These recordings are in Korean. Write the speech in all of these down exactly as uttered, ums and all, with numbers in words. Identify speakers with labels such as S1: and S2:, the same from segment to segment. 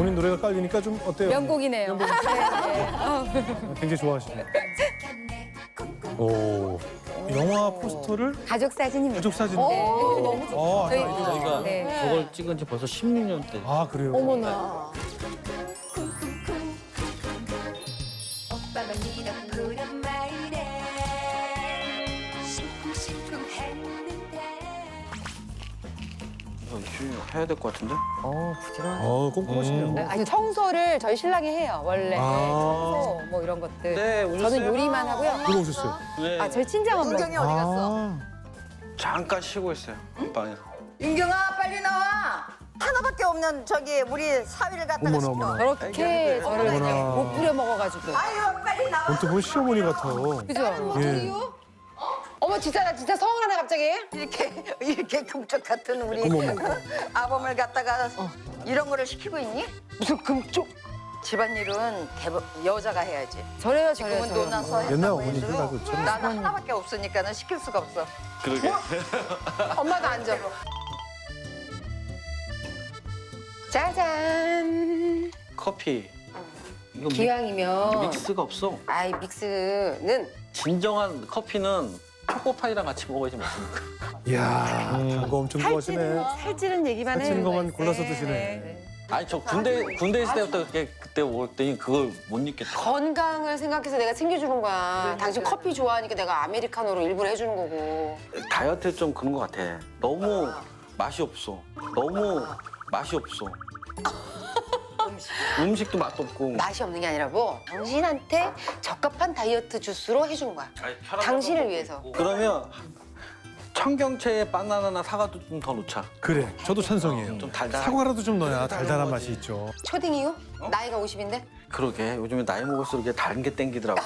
S1: 본인 노래가 깔리니까 좀 어때요?
S2: 명곡이네요. 네, 네. 어.
S1: 굉장히 좋아하시네요. 오, 영화 포스터를
S2: 가족 사진입니다.
S1: 가족 사진.
S2: 네.
S1: 너무 좋다. 아,
S2: 저희-
S1: 아이디어가.
S3: 저희가
S2: 네.
S3: 저걸 찍은 지 벌써 십육 년 때.
S1: 아, 그래요?
S4: 어머나.
S5: 오빠가 네가 부른 말이래 시쿵시쿵 했는데
S3: 이거 이슈 해야 될 것 같은데?
S2: 어, 부지런.
S1: 어, 꼼꼼하시네요.
S2: 아니, 청소를 저희 신랑이 해요, 원래.
S1: 아.
S2: 청소, 뭐 이런 것들.
S3: 네, 오셨어요?
S2: 저는 요리만 하고요.
S1: 들어오셨어요?
S3: 네.
S2: 아, 저희 친정엄마.
S4: 은경이 어디 갔어?
S1: 아,
S3: 잠깐 쉬고 있어요. 방에서.
S4: 윤경아 빨리 나와. 하나밖에 없는 저기 우리 사위를 갖다가
S1: 어머나,
S4: 시켜.
S1: 어머나.
S2: 저렇게 저를
S1: 어머나.
S2: 못 뿌려 먹어가지고.
S4: 아유 빨리 나와.
S1: 언뜻 보면 시어머니 같아요.
S2: 그죠?
S1: 예.
S2: 어머, 진짜, 나 진짜 서운하네, 갑자기.
S4: 이렇게 이렇게 금쪽 같은 우리
S1: 어머, 어머.
S4: 아범을 갖다가 이런 거를 시키고 있니?
S2: 무슨 금쪽.
S4: 집안일은 대부, 여자가 해야지.
S2: 저래요, 저래요.
S4: 지금은
S2: 저래요.
S4: 논아서
S1: 옛날
S4: 했다고
S1: 어머니들
S4: 해도
S1: 다 그렇잖아요.
S4: 나는 하나밖에 없으니까는 시킬 수가 없어.
S3: 그러게.
S2: 엄마도 앉아. 짜잔.
S3: 커피. 이거 믹-
S2: 기왕이면.
S3: 믹스가 없어.
S2: 아이, 믹스는.
S3: 진정한 커피는 초코파이랑 같이 먹어야지 먹습니까?
S1: 이야, 단거 엄청 좋아하시네.
S2: 살찌는 얘기만 해요.
S1: 살찌는 것만
S2: 네,
S1: 골라서
S2: 네,
S1: 드시네.
S2: 네.
S3: 아니 저 군대 군대 있을 때부터 그렇게 그때 먹을 때는 그걸 못 잊겠다.
S2: 건강을 생각해서 내가 챙겨주는 거야. 당신 커피 좋아하니까 내가 아메리카노로 일부러 해주는 거고.
S3: 다이어트 좀 그런 것 같아. 너무 맛이 없어. 너무 맛이 없어. 음식도 맛도 없고.
S2: 맛이 없는 게 아니라 뭐 당신한테 적합한 다이어트 주스로 해주는 거야. 당신을 위해서.
S3: 그러면 청경채에 바나나나 사과도 좀 더 넣자.
S1: 그래, 저도 찬성이에요.
S3: 좀 달달한.
S1: 사과라도 좀 넣어야 달달한 맛이 있죠.
S2: 초딩 이후? 나이가 오십인데?
S3: 그러게 요즘에 나이 먹을수록 이게 다른 게 땡기더라고.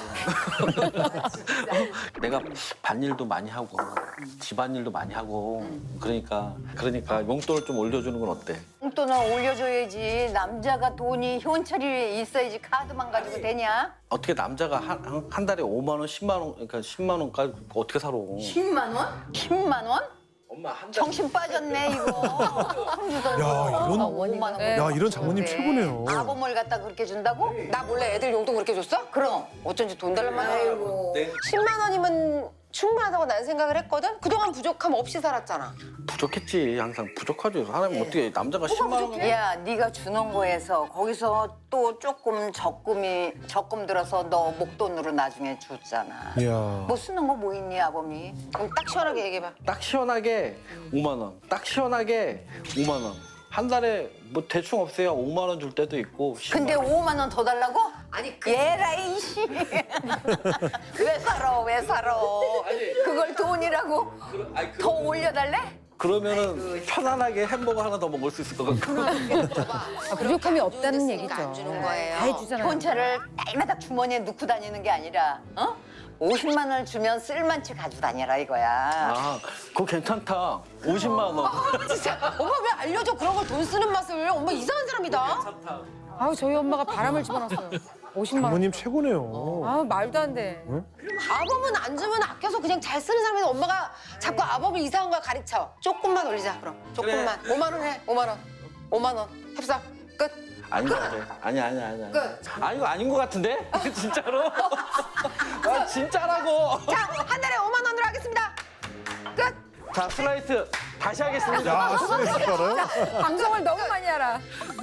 S3: 내가 밭일도 많이 하고 집안일도 많이 하고 그러니까 그러니까 용돈을 좀 올려주는 건 어때?
S4: 용돈은 올려줘야지. 남자가 돈이 현찰이 있어야지 카드만 가지고 되냐?
S3: 어떻게 남자가 한, 한, 한 달에 오만 원, 십만 원, 그러니까 십만 원까지 어떻게 살아?
S4: 십만 원? 십만 원?
S3: 엄마 한 달.
S4: 정신 빠졌네 이거.
S1: 야, 이런,
S4: 오만 원.
S2: 네.
S1: 야, 이런 장모님
S4: 네.
S1: 최고네요.
S4: 아범을 갖다 그렇게 준다고?
S2: 나 몰래 애들 용돈 그렇게 줬어?
S4: 그럼.
S2: 어쩐지 돈 달란만 해.
S4: 아이고.
S2: 십만 원이면 충분하다고 난 생각을 했거든? 그동안 부족함 없이 살았잖아.
S3: 부족했지 항상 부족하죠. 사람이 어떻게 남자가 십만 원?
S4: 야, 네가 주는 거에서 거기서 또 조금 적금이 적금 들어서 너 목돈으로 나중에 줬잖아.
S1: 이야.
S4: 뭐 쓰는 거 뭐 있니, 아범이?
S2: 그럼 딱 시원하게 얘기해봐.
S3: 딱 시원하게 오만 원. 딱 시원하게 오만 원. 한 달에 뭐 대충 없어야 오만 원 줄 때도 있고. 십만
S4: 근데
S3: 원.
S4: 오만 원 더 달라고?
S2: 아니, 그...
S4: 얘라 이씨. 왜 살아? 왜 살아? 그걸 돈이라고 더 올려달래?
S3: 그러면은 편안하게 햄버거 하나 더 먹을 수 있을 것 같고.
S2: 아, 부족함이 없다는 얘기죠.
S4: 안 주는 거예요.
S2: 다 해주잖아요.
S4: 현찰을 날마다 주머니에 넣고 다니는 게 아니라, 어? 오십만 원을 주면 쓸만치 가지고 다녀라 이거야.
S3: 아, 그거 괜찮다. 오십만 원.
S2: 진짜 엄마 왜 알려줘 그런 걸 돈 쓰는 맛을. 엄마 이상한 사람이다.
S3: 괜찮다.
S2: 아우 저희 엄마가 바람을 집어넣었어요. 오십만 원.
S1: 장모님 최고네요.
S2: 아 말도 안 돼.
S1: 응?
S2: 아범은 안 주면 아껴서 그냥 잘 쓰는 사람인데 엄마가 자꾸 아범을 이상한 걸 가르쳐. 조금만 올리자 그럼. 조금만. 오만 원 해. 오만 원. 오만 원. 협상. 끝.
S3: 아닌 것 같아. 아니야, 아니야, 아니야.
S2: 끝.
S3: 아, 이거 아닌 것 같은데? 진짜로? 아, 진짜라고.
S2: 자, 한 달에 오만 원으로 하겠습니다. 끝.
S3: 자, 슬라이스 다시 하겠습니다.
S1: 야, 스트레스 알아요?
S2: 방송을 너무 많이 알아.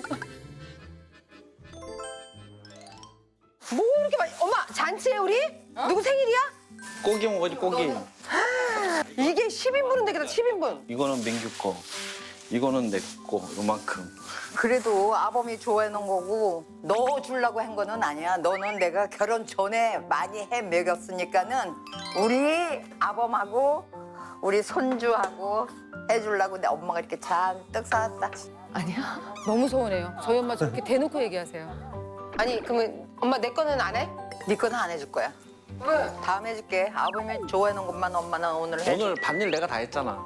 S2: 뭐 이렇게 많이? 엄마 잔치에 우리? 누구 생일이야?
S3: 고기 먹어야지, 고기.
S2: 이게 십 인분은 되겠다. 십 인분.
S3: 이거는 민규 거. 이거는 내 거, 요만큼.
S4: 그래도 아범이 좋아해 놓은 거고 너 주려고 한 거는 아니야. 너는 내가 결혼 전에 많이 해 먹였으니까는 우리 아범하고 우리 손주하고 해주려고 내 엄마가 이렇게 잔뜩 사왔다.
S2: 아니야. 너무 서운해요. 저희 엄마 저렇게 대놓고 얘기하세요. 아니 그러면 엄마 내 거는 안 해?
S4: 네 거는 안 해줄 거야.
S2: 왜?
S4: 다음 해줄게. 아범이 좋아해 놓은 것만 엄마는 오늘 해줄
S3: 오늘 밭일 내가 다 했잖아.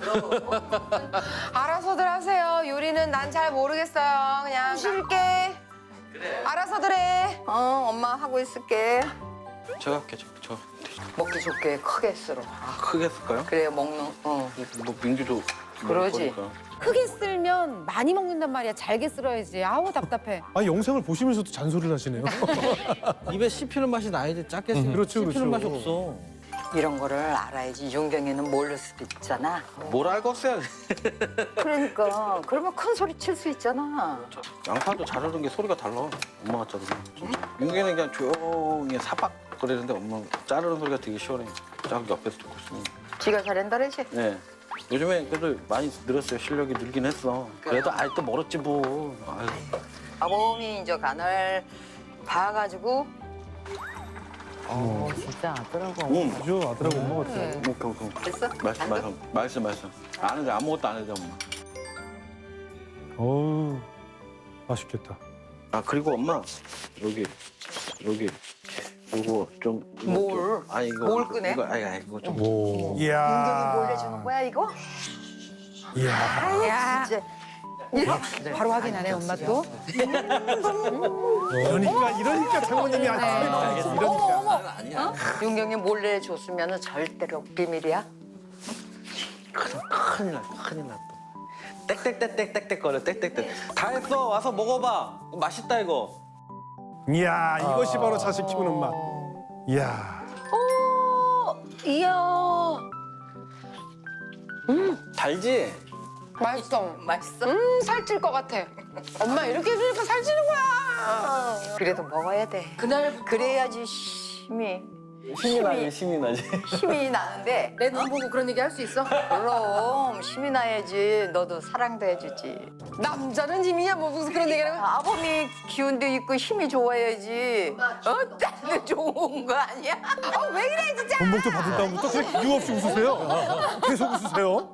S2: 알아서들 하세요. 요리는 난 잘 모르겠어요. 그냥 쉴게. 그래. 알아서들 해.
S4: 어, 엄마 하고 있을게.
S3: 제가 할게, 저. 저.
S4: 먹기 좋게 크게 쓰러.
S3: 아, 크게 쓸까요?
S4: 그래야 먹는, 어.
S3: 뭐 민규도
S4: 그러지.
S3: 그러니까.
S2: 크게 쓸면 많이 먹는단 말이야. 잘게 쓸어야지. 아우 답답해.
S1: 아 영상을 보시면서도 잔소리를 하시네요.
S3: 입에 씹히는 맛이 나야지 작게 씹
S1: 그렇죠,
S3: 씹히는
S1: 그렇죠.
S3: 맛이 없어.
S4: 이런 거를 알아야지. 윤경이는 모를 수도 있잖아.
S3: 뭘 알겠어요.
S4: 그러니까 그러면 큰 소리 칠 수 있잖아.
S3: 양파도 자르는 게 소리가 달라. 엄마가 자르는. 윤기는 그냥 조용히 사박 거리는데 엄마 자르는 소리가 되게 시원해. 딱 옆에서 듣고 있으면.
S4: 지가 잘한다 그러지?
S3: 네. 요즘에 그래도 많이 늘었어요. 실력이 늘긴 했어. 그래도 아직도 멀었지 뭐. 아유.
S4: 아범이 이제 간을 봐가지고
S1: 어,
S6: 진짜 아더라고.
S3: 음.
S1: 아주 아들하고 엄마 같아요.
S2: 네.
S3: 뭐, 그, 그.
S4: 됐어?
S3: 말씀,
S4: 안
S3: 말씀, 말씀, 말씀. 안 해도 아무것도 안 해도 엄마.
S1: 어우 맛있겠다.
S3: 아 그리고 엄마 여기 여기 이거 좀 이거
S4: 뭘?
S3: 좀- 아니 이거
S4: 뭘
S3: 이거-
S4: 꺼내?
S3: 이거 아니 아니 이거 좀
S1: 오.
S4: 윤경이
S1: 이야.
S4: 몰래 주는 거야 이거?
S1: 이야.
S2: 야,
S4: 진짜.
S2: 바로 확인하네 엄마 또.
S1: 그러니까 이러니까 장모님이 안 쓰는 이러니까.
S3: 아니야.
S4: 윤경이 몰래 줬으면 절대로 비밀이야.
S3: 큰일, 큰일 날 큰일 났다. 땡땡땡땡땡땡 거려 땡땡땡. 다 했어 와서 먹어봐. 맛있다 이거.
S1: 이야 이것이 바로 자식 키우는 맛. 이야.
S2: 이야.
S3: 달지?
S2: 맛있어.
S4: 맛있어?
S2: 음 살찔 것 같아. 엄마 이렇게 해주니까 살찌는 거야.
S4: 그래도 먹어야 돼.
S2: 그날
S4: 그래야지 힘이
S3: 힘이 나지 힘이 나지.
S4: 힘이 나는데
S2: 내 눈 보고 그런 얘기 할 수 있어?
S4: 그럼 힘이 나야지. 너도 사랑도 해주지.
S2: 남자는 힘이야 뭐 무슨 그런 얘기를 하면.
S4: 아범이 기운도 있고 힘이 좋아야지. 어? 딸도 좋은 거 아니야?
S2: 어, 왜 이래 진짜.
S1: 본복도 받은 다음부터 그냥 이유 없이 웃으세요. 계속 웃으세요.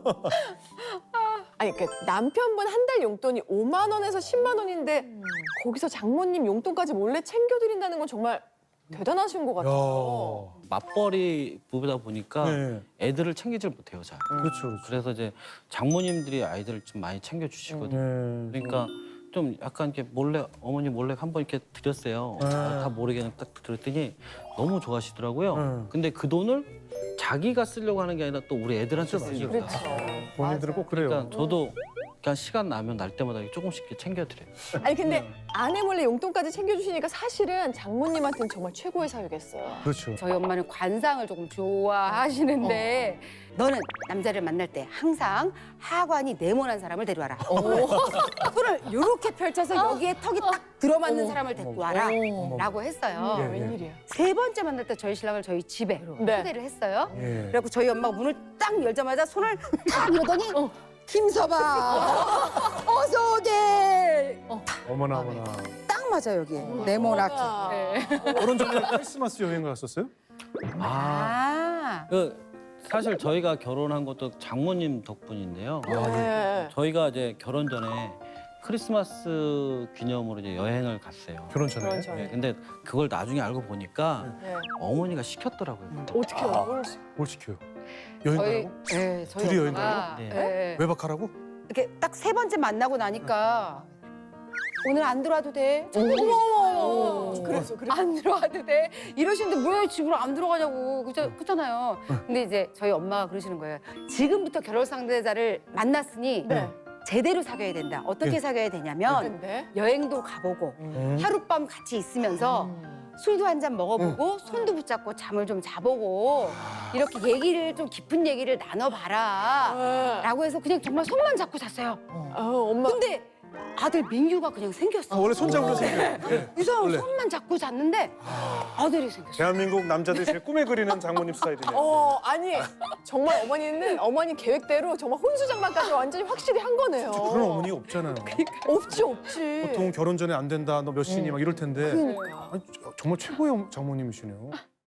S6: 아니 그 남편분 한 달 용돈이 오만 원에서 십만 원인데 거기서 장모님 용돈까지 몰래 챙겨드린다는 건 정말 대단하신 것 같아요.
S1: 야.
S3: 맞벌이 부부다 보니까
S1: 네.
S3: 애들을 챙기질 못해요 잘.
S1: 그렇죠. 그렇죠.
S3: 그래서 이제 장모님들이 아이들을 좀 많이 챙겨주시거든요.
S1: 네.
S3: 그러니까 좀 약간 이렇게 몰래 어머니 몰래 한번 이렇게 드렸어요.
S1: 네.
S3: 아, 다 모르게 그냥 딱 드렸더니 너무 좋아하시더라고요.
S1: 네.
S3: 근데 그 돈을 자기가 쓰려고 하는 게 아니라 또 우리 애들한테 쓰려고.
S6: 그렇죠.
S1: 본인들은 꼭 그래요.
S3: 그러니까 저도 그냥 시간 나면 날 때마다 조금씩 이렇게 챙겨드려요.
S6: 아니 근데 아내 몰래 용돈까지 챙겨주시니까 사실은 장모님한테는 정말 최고의 사유겠어요.
S1: 그렇죠.
S2: 저희 엄마는 관상을 조금 좋아하시는데 너는 남자를 만날 때 항상 하관이 네모난 사람을 데려와라. 손을 이렇게 펼쳐서 여기에 턱이 딱 들어맞는 사람을 데리고 와라. 라고 했어요.
S1: 예, 예.
S6: 웬일이야.
S2: 세 번째 만날 때 저희 신랑을 저희 집에
S6: 네.
S2: 초대를 했어요.
S1: 예.
S2: 그래갖고 저희 엄마가 문을 딱 열자마자 손을 탁 이러더니 김서방 어서 오게.
S1: 어머나 어머나.
S2: 딱 맞아 여기 네모나게.
S1: 결혼 전에 크리스마스 여행 갔었어요?
S3: 아,
S2: 아.
S3: 그 사실 저희가 결혼한 것도 장모님 덕분인데요.
S6: 네.
S3: 저희가 이제 결혼 전에 크리스마스 기념으로 이제 여행을 갔어요.
S1: 결혼 전에.
S6: 결혼 전에.
S3: 네, 근데 그걸 나중에 알고 보니까
S6: 네.
S3: 어머니가 시켰더라고요.
S6: 어떻게 해요? 뭘
S1: 뭘 시켜요? 여행
S2: 저희
S1: 가라고?
S2: 네, 저희
S1: 둘이 여행
S2: 엄마가
S3: 가요? 네.
S2: 네.
S1: 외박하라고?
S2: 이렇게 딱 세 번째 만나고 나니까 오늘 안 들어와도 돼.
S6: 어머 어머
S2: 어.
S6: 그래서 그래서
S2: 안 들어와도 돼. 이러시는데 왜 집으로 안 들어가냐고. 그죠? 그렇잖아요. 근데 이제 저희 엄마가 그러시는 거예요. 지금부터 결혼 상대자를 만났으니
S6: 네.
S2: 제대로 사귀어야 된다. 어떻게
S1: 예.
S2: 사귀어야 되냐면
S6: 근데
S2: 여행도 가보고
S1: 음.
S2: 하룻밤 같이 있으면서 술도 한 잔 먹어보고 손도 붙잡고 잠을 좀 자보고 이렇게 얘기를 좀 깊은 얘기를 나눠봐라.
S6: 네.
S2: 라고 해서 그냥 정말 손만 잡고 잤어요.
S6: 아, 엄마
S2: 근데 아들 민규가 그냥 생겼어.
S1: 아, 원래 손잡으로 생겨요. 예.
S2: 이상하게
S1: 원래.
S2: 손만 잡고 잤는데 아들이 생겼어.
S1: 대한민국 남자들이 제일 꿈에 그리는 장모님 스타일이네요.
S6: 어 아니 정말 어머니는 어머니 계획대로 정말 혼수장만까지 완전히 확실히 한 거네요.
S1: 그런 어머니가 없잖아요.
S6: 없지 없지.
S1: 보통 결혼 전에 안 된다, 너 몇 시니 막 이럴 텐데
S6: 그러니까.
S1: 아니, 저- 정말 최고의 장모님이시네요.